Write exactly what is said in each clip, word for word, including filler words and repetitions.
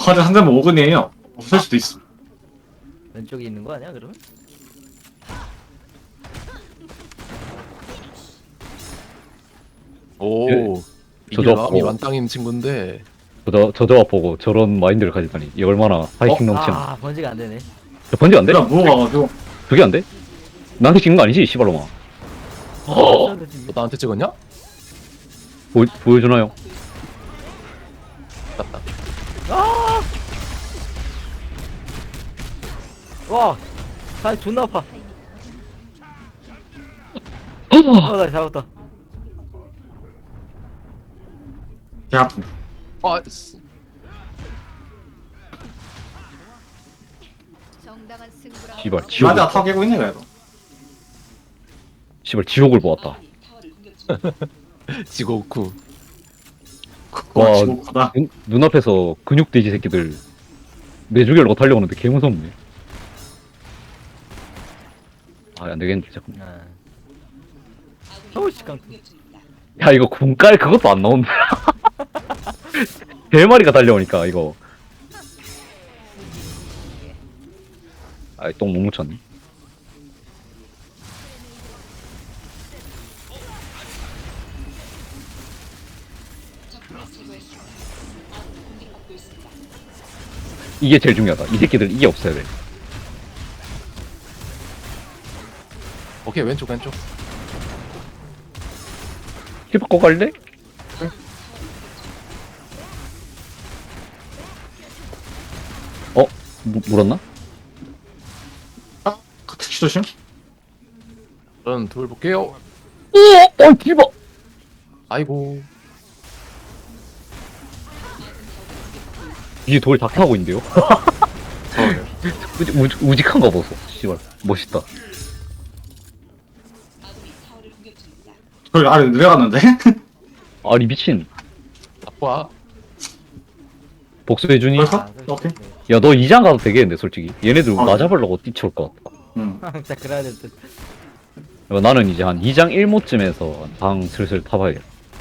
화를 한 대만 오근이에요. 없을 수도 있어. 왼쪽에 있는 거 아니야 그러면? 오, 예. 이게 저도 마음이 없고. 만땅인 친구인데. 저, 저 저와 보고 저런 마인드를 가지다니 이게 얼마나 파이팅 넘치는 아 번지가 안 되네. 저 번지 안 돼? 내가 무어가가지고. 그게 안 돼? 나한테 찍는 거 아니지 씨발로마. 어. 너 나한테 찍었냐? 보, 보여주나요? 맞다. 와, 살 존나 아파. 어, 나 잡았다. 개 아픈. 아, 쓰- 정당한 승부라. 씨발 지옥을 맞아, 타 깨고 있네, 그래도. 씨발 지옥을 보았다. 지고쿠. 그거 와. 지옥하다. 눈, 눈앞에서 근육 돼지 새끼들 내 죽이려고 달려오는데 개 무섭네. 아 안되겠는데 잠깐. 아. 어우 씨 깡. 야 이거 군깔 그것도 안 나온다. 대마리가 달려오니까 이거. 아이 똥 못 묻혔네. 이게 제일 중요하다. 이 새끼들 이게 없어야 돼. 오케이, 왼쪽, 왼쪽. 힐 바꿔 갈래? 어? 무, 물었나? 아, 그 택시 조심. 저는 둘 볼게요. 오! 어, 뒤봐! 아이고. 이게 돌 다 타고 있는데요? 우직, 우직, 우직한 거 보소. 씨발. 멋있다. 저기 아래 내려갔는데? 아니, 미친. 아빠. 복수해주니? 벌써? 아, 오케이. 야, 너 이장 가도 되겠는데, 솔직히. 얘네들 아, 나 잡으려고 뛰쳐올 것 같다. 응. 진짜 그래야 될 듯. 야, 나는 이제 한 이장 일 모쯤에서 방 슬슬 타봐야겠다.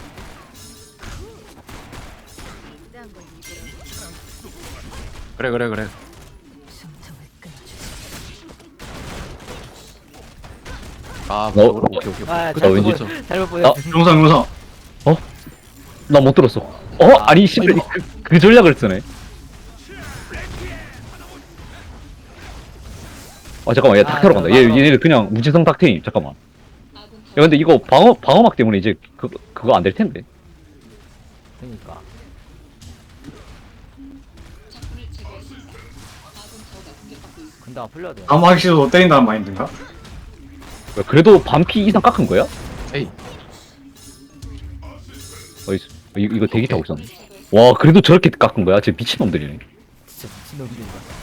이딴 걸 입으라. 그래, 그래, 그래. 숨통을 끊어주지. 아, 어? 오케이, 오케이, 오케이. 아 그쵸, 왠지 잘못 그쵸. 보냈, 잘못 보냈어. 용상, 용상. 나 못 들었어. 어? 아니, 씨발. 그, 그 전략을 쓰네. 아, 잠깐만. 얘 아, 탁태로 간다. 얘, 잠깐만. 얘네들 그냥 무지성 탁테임. 잠깐만. 야, 근데 이거 방어, 방어막 때문에 이제 그, 그거 안 될 텐데. 그러니까. 근데 안 풀려야 돼. 아무 하기 싫어도 때린다는 마인드인가? 야, 그래도 반피 이상 깎은 거야? 에이, 어이스. 이, 이거 대기 타고 있었네. 와, 그래도 저렇게 깎은 거야? 쟤 미친놈들이네. 진짜 미친놈들이다.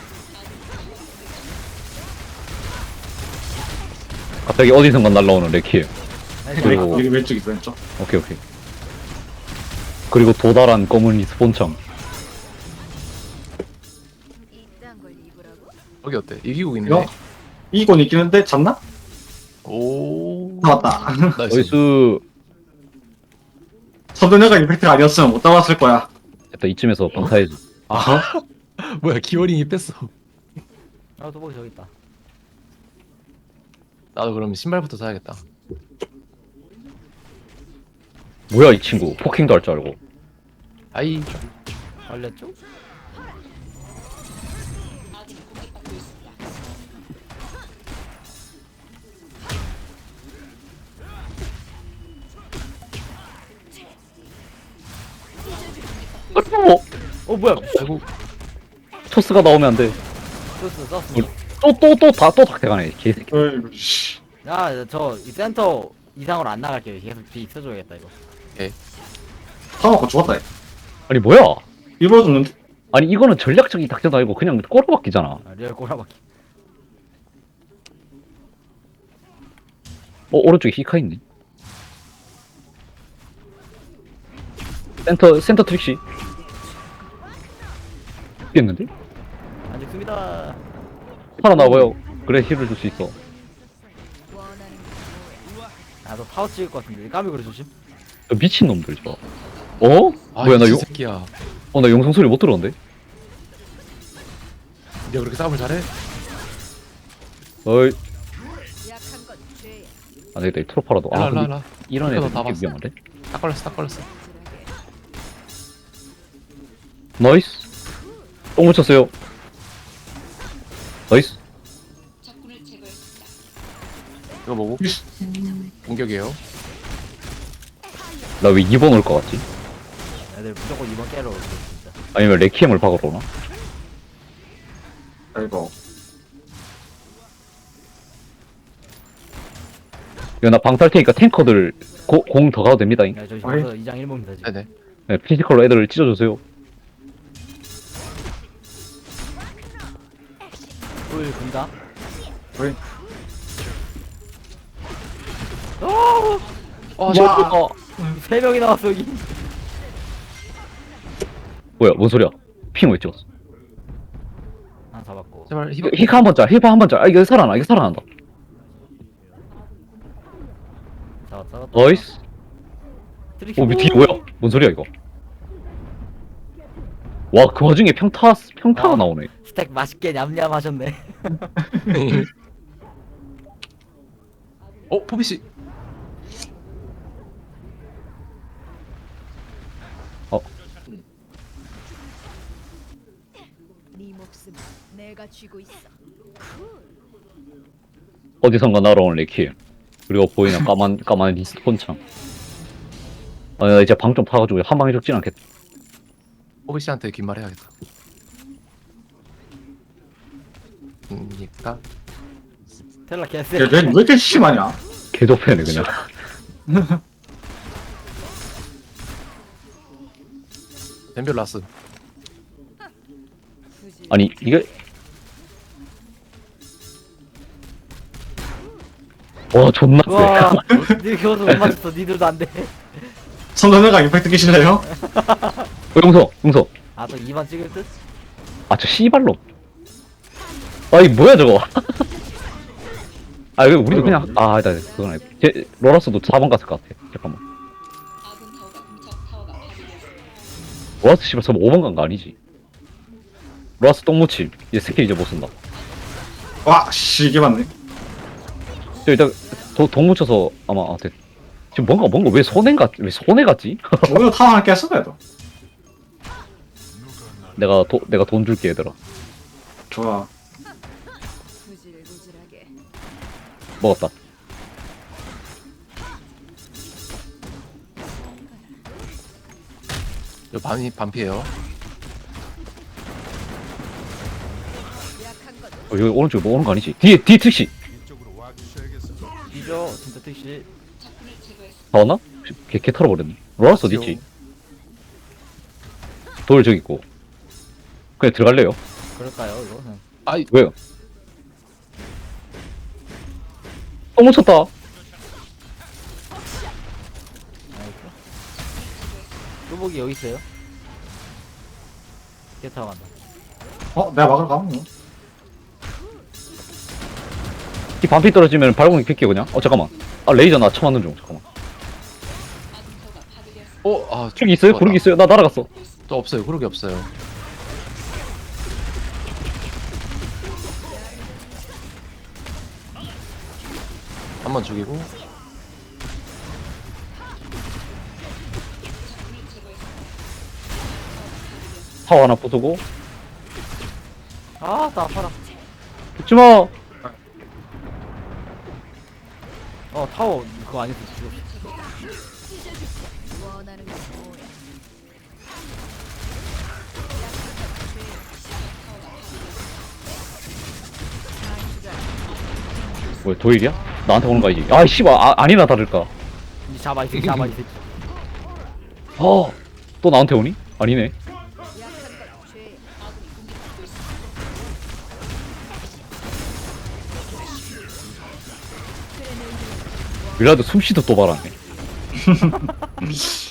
갑자기 어디선가 날라오는 레키에. 아니, 그리고- 여기 왼쪽 있어, 왼쪽. 오케이, 오케이. 그리고 도달한 검은 리스폰청. 이딴 걸 입으라고? 여기 어때? 이기고 있네. 이거? 이건 있긴 한데, 잤나? 오. 잡았다. 나이스. 어이스. 선전녀가 임팩트가 아니었으면 못 잡았을 거야. 일단 이쯤에서 방사해줘. 아, 뭐야, 기어링이 뺐어. 아 도복이 저기 있다. 나도 그럼 신발부터 사야겠다. 뭐야, 이 친구. 포킹도 할 줄 알고. 아이. 걸렸죠? 어? 어 뭐야? 아이고. 토스가 나오면 안 돼. 썼어 썼어. 또, 또, 또, 다, 또 닥대가네. 개새끼. 어이구, 씨. 야저 이 센터 이상으로 안 나갈게요. 계속 뒤 있어줘야겠다 이거. 타먹고 죽었다, 얘. 아니, 뭐야? 일부러 죽는데? 아니, 이거는 전략적인 닥대도 아니고 그냥 꼬라박기잖아. 아, 리얼 꼬라박기. 어, 오른쪽에 히카 있네. 센터, 센터 트릭시. 깼는데? 안 죽습니다. 하나 나와요. 그래, 힐을 줄 수 있어. 원하는 게 뭐야? 아너 타워 찍을 것 같은데 까미 그래 조심. 저 미친놈들, 저. 어? 아, 뭐야, 나 이 용, 새끼야. 어, 나 영상 소리 못 들었는데? 네가 그렇게 싸움을 잘해? 어이 약한 건 죄야. 안 되겠다 이 트로파라도 아 일로 일로 근데 일로. 이런 이거 애들 다 되게 봤어? 위험한데? 딱 걸렸어 딱 걸렸어. 쿨하게. 나이스 똥 묻혔어요 나이스 이거 뭐고? 공격이에요. 나 왜 이 번 올 것 같지? 애들 무조건 이번 깨러 올게 진짜. 아니면 레키엠을 박으러 오나? 아이고. 이거 나 방탈 테니까 탱커들 공 더 가도 됩니다 잉? 야 저기 어이. 벌써 이장 일목입니다 지금. 네네. 네, 피지컬로 애들을 찢어주세요 꿀 군다. 어이. 아 저. 어, 세 명이 나왔어 여기. 뭐야 뭔 소리야 핑 왜 찍었어 하나 잡았고. 제발 히바. 히카 한 번짤 히카 한 번짤 아 이거 살아나 이거 살아난다 잡았어. 잡았다. 나이스 트리키. 오 뒤에 뭐야 뭔 소리야 이거 와 그 와중에 평타 평타가 아. 나오네 스택 맛있게 냠냠하셨네. 어 포비 씨. 네 목숨 내가 쥐고 있어. 어디선가 날아온 레키엠 그리고 보이는 까만 까만 리스폰창 아 나 이제 방 좀 파가지고 한 방에 죽진 않겠다 포비 씨한테 긴 말 해야겠다. 그니까. 텔라 개쎄. 야, 쟤왜 이렇게 심하냐? 개도패네 그냥 덴별 라스. 굳이 아니 이게 와 존나 세 와, 니들 겨우도 못 맞췄어. 니들도 안 돼. 선전회가 임팩트 끼실래요? 어, 용서 용서 아, 또 이 번 찍을 듯? 아 저 씨발로 아이 뭐야 저거 아 이거 우리도 그냥 아 아니다 그건 아니고 제 로라스도 사 번 갔을 것 같아 잠깐만 로라스 씨발 저거 오 번 간 거 아니지 로라스 똥무침 이제 스킬 이제 못 쓴다 와, 씨, 이게 맞네. 저 일단 도, 돈 묻혀서 아마 아, 됐. 지금 뭔가 뭔가 왜 손해 같, 왜 손해 같지? 오히려 타워 하나 깼어, 그래도. 내가 도, 내가 돈 줄게 얘들아 좋아. 구질구질하게. 먹었다 저 반이 반피예요. 약한 건 어, 여기 오른쪽에 뭐 오는 거 아니지? 뒤에 뒤에 특시 뒤져. 진짜 택시. 다 왔나? 개, 개 털어버렸네 로라스 어디 있지? 돌 저기 있고 그냥 들어갈래요? 그럴까요, 이거? 그냥. 아이 왜요? 똥 묻혔다 나이스. 뚜벅이 여기 있어요. 걔 타고 간다. 어, 내가 막으러 가면 뭐. 이 반피 떨어지면 발공이 킬게 그냥 어 잠깐만 아 레이저 나 처맞는 중 잠깐만 어, 아, 저기 있어요? 구르기 있어요? 나 날아갔어 또 없어요. 구르기 없어요. 한 번 죽이고. 타워 하나 부수고 아, 나 아파라. 죽지마 어, 타워 그거 아니었어. 죽었어. 원하는 건 뭐야? 뭐야 도일이야? 나한테 오는 거 아니지? 아 씨발 아, 아니나 다를까 이 잡아, 이 새끼 잡아, 이 새끼. 아또 나한테 오니? 아니네 약한 건 죄야. 밀라드 숨쉬도 또 말하네